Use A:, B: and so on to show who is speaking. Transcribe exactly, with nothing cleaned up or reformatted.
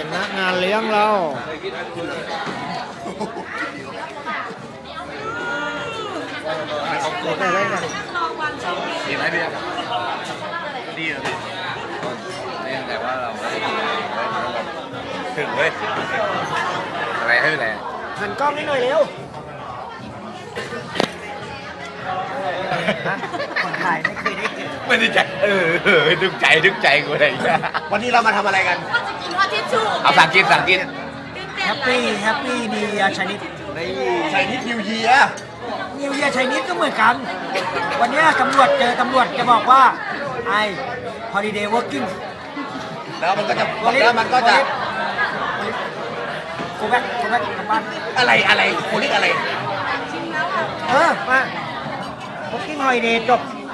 A: นักงานเลี้ยงเรา
B: เขาโกรธอะไรกันดีไหมพี่ดีเหรอพี่นี่แต่ว่าเราถึงเว้ยอะไรให้อะไร
A: หันกล้องนิดหน่อยเร็วคนถ่ายไม่เคยได้กิน
B: ไม่ได้ใจเออดึงใจดึงใจกูเลยวันนี้เรามาทำอะไรกัน
C: ก็จะกินว่าทิชชู่
B: เอาสั่งกินสั่งกิน
A: แฮปปี้แฮปปี้นิวเยียร์ไชนีส
B: ไชนีสนิวเยียร์
A: นิวเยียร์ไชนีสก็เหมือนกันวันนี้ตำรวจเจอตำรวจจะบอกว่าไอ holiday working
B: แล้วมันก็จะแล้วมันก็จะ
A: โคแบ็คโคแบ็คกลับบ้าน
B: อะไรอะไรโคลิกอะไร
A: เออมา working holiday จบ